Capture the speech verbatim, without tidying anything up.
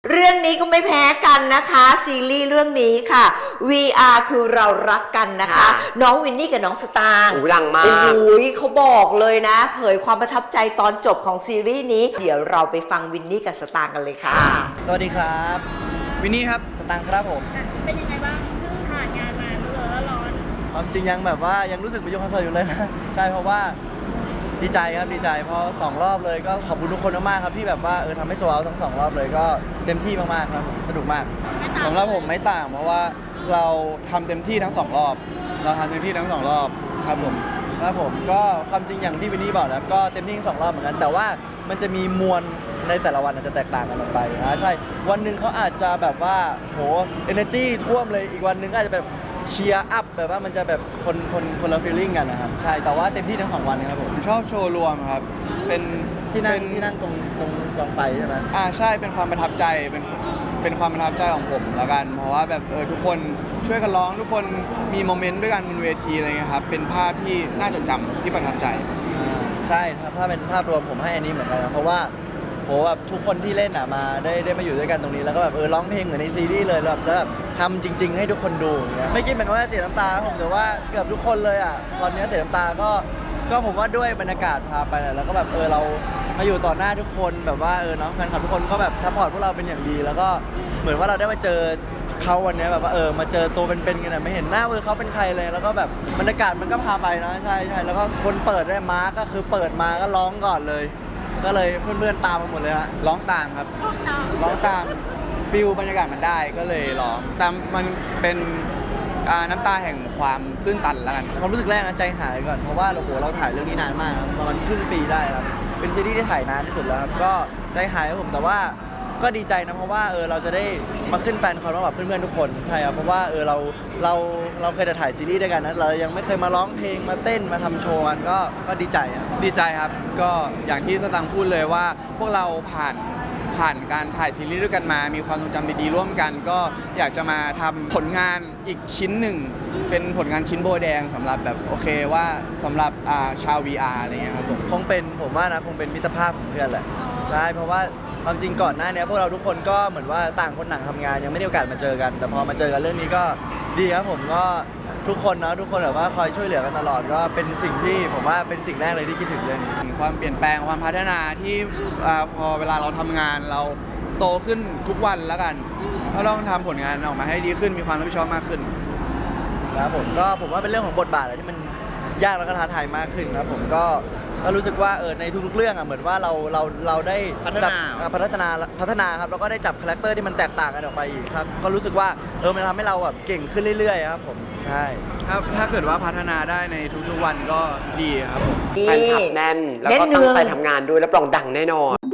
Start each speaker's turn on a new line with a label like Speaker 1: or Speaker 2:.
Speaker 1: เรื่องนี้ก็ไม่แพ้กันนะคะซีรีส์เรื่องนี้ค่ะ วี อาร์ คือเรารักกันนะคะ น้องวินนี่กับน้องสตางค์
Speaker 2: ดังมาก
Speaker 1: โอ้ยเขาบอกเลยนะ เผยความประทับใจตอนจบของซีรีส์นี้เดี๋ยวเราไปฟังวินนี่กับสตางค์กันเลยค่ะ
Speaker 3: สวัสดีครับวินนี่ครับสตางค์ครับผม
Speaker 4: เป็นยังไงบ้างเพิ่งผ่านงานมาร้อนร้อน
Speaker 3: ความจริงยังแบบว่ายังรู้สึกเป็นยุคคอนเสิร์ตอยู่เลยนะ ใช่เพราะว่าดีใจครับดีใจเพราะสองรอบเลยก็ขอบคุณทุกคนมากๆครับที่แบบว่าเออทำให้โซลเอาท์ทั้งสองรอบเลยก็เต็มที่มากๆครับผมสนุกมาก
Speaker 5: สำหรับผมไม่ต่างเพราะว่าเราทำเต็มที่ทั้งสองรอบ เราทำเต็มที่ทั้งสองรอบครับผม
Speaker 3: ครับผมก็ความจริงอย่างที่วินนี่บอกนะก็เต็มที่ทั้งสองรอบเหมือนกันแต่ว่ามันจะมีมวลในแต่ละวันอาจจะแตกต่างกันออกไปนะใช่วันหนึ่งเขาอาจจะแบบว่าโห energy ท่วมเลยอีกวันหนึ่งก็อาจจะแบบเชียร์อัพแบบว่ามันจะแบบคนคนคนละฟีลลิ่งกันนะครับใช่แต่ว่าเต็มที่ทั้งสองวันนะครับผม
Speaker 5: ชอบโชว์รวมครับ เป็น
Speaker 3: ที่นั่ง
Speaker 5: เป็น
Speaker 3: ที่นั่งตรงตรงกองไฟใช่ไหม
Speaker 5: อ่าใช่เป็นความประทับใจเป็นเป็นความประทับใจของผมแล้วกัน เพราะว่าแบบเออทุกคนช่วยกันร้องทุกคนมีโมเมนต์ด้วยกันบนเวทีอะไรเงี้ยครับเป็นภาพที่น่าจดจำที่ประทับใจ
Speaker 3: อ่าใช่ครับถ้าเป็นภาพรวมผมให้อันนี้เหมือนกันนะเพราะว่าโหแบบทุกคนที่เล่นอ่ะมาได้ได้มาอยู่ด้วยกันตรงนี้แล้วก็แบบเออร้องเพลงเหมือนในซีรีส์เลยแล้วแบบแล้วแบบทำจริง ๆ ให้ทุกคนดูอย่างเงี้ยไม่คิดเหมือนกันว่าเสียน้ำตาผมแต่ว่าเกือบทุกคนเลยอ่ะตอนนี้เสียน้ำตาก็ก็ผมว่าด้วยบรรยากาศพาไปแหละแล้วก็แบบเออเรามาอยู่ต่อหน้าทุกคนแบบว่าเออเนาะแฟนคลับทุกคนก็แบบซัพพอร์ตพวกเราเป็นอย่างดี แล้วก็เหมือนว่าเราได้มาเจอเขาวันนี้แบบว่าเออมาเจอตัวเป็นๆกันอ่ะไม่เห็นหน้าเออเขาเป็นใครเลยแล้วก็แบบบรรยากาศมันก็พาไปนะใช่ใช่แล้วก็คนเปิดได้มาร์กก็คือเปิดมาก็ร้องก่อนเลย ก็เลยเพื่อนๆตามมาหมดเลยฮะ
Speaker 5: ร้องตามครับ ร้องตามฟิลบรรยากาศมันได้ก็เลยร้องแต่มันเป็นอ่าน้ำตาแห่งความตื้นตันแล้วกัน
Speaker 3: ความรู้สึกแรกนะใจหายก่อนเพราะว่าโอ้โหเราถ่ายเรื่องนี้นานมากครับประมาณครึ่งปีได้ครับเป็นซีรีส์ที่ถ่ายนานที่สุดแล้วครับก็ใจหายครับผมแต่ว่าก็ดีใจนะเพราะว่าเออเราจะได้มาขึ้นแฟนคอนกับเพื่อนๆทุกคนใช่ครับเพราะว่าเออเราเราเราเคยถ่ายซีรีส์ด้วยกันนะเรายังไม่เคยมาร้องเพลงมาเต้นมาทำโชว์กันก็ก็ดีใจครับ
Speaker 5: ดีใจครับก็อย่างที่สตังค์พูดเลยว่า พวกเราผ่านผ่านการถ่ายซีรีส์ด้วยกันมา มีความทรงจำดีๆร่วมกัน ก็อยากจะมาทำผลงานอีกชิ้นหนึ่ง เป็นผลงานชิ้นโบแดงสำหรับแบบโอเคว่าสำหรับอ่าชาว วี อาร์ อะไรเงี้ยครับผม
Speaker 3: คงเป็นผมว่านะคงเป็นมิตรภาพของเพื่อนแหละใช่เพราะว่าความจริงก่อนหน้านี้พวกเราทุกคนก็เหมือนว่าต่างคนต่างทำงานยังไม่ได้โอกาสมาเจอกัน แต่พอมาเจอกันเรื่องนี้ก็ดีครับผมก็ทุกคนเนาะทุกคนแบบว่าคอยช่วยเหลือกันตลอดก็เป็นสิ่งที่ผมว่าเป็นสิ่งแรกเลยที่คิดถึงเรื่องนี้
Speaker 5: ความเปลี่ยนแปลงความพัฒนาที่อ่าพอเวลาเราทำงานเราโตขึ้นทุกวันแล้วกันก็ต้องทำผลงานออกมาให้ดีขึ้นมีความรับผิดชอบมากขึ้น
Speaker 3: ครับผมก็ผมว่าเป็นเรื่องของบทบาทอะไรที่มันยากแล้วก็ท้าทายมากขึ้นครับผมก็ก็รู้สึกว่าเออในทุกๆเรื่องอ่ะเหมือนว่าเราเราเราได้
Speaker 5: พัฒนา
Speaker 3: จับอ่าพัฒนาพัฒนาครับแล้วก็ได้จับคาแรคเตอร์ที่มันแตกต่างกันออกไปอีกครับก็รู้สึกว่าเออมันทำให้เราแบบเก่งขึ้นเรื่อยๆครับผมใช่
Speaker 5: ครับถ้าเกิดว่าพัฒนาได้ในทุกๆวันก็ดีครับผม
Speaker 2: แฟนคลับแน่น แล้วก็
Speaker 1: แน่นเนื
Speaker 2: ตั้ง
Speaker 1: อง
Speaker 2: ใจทำงานด้วยรับรองดังแน่นอน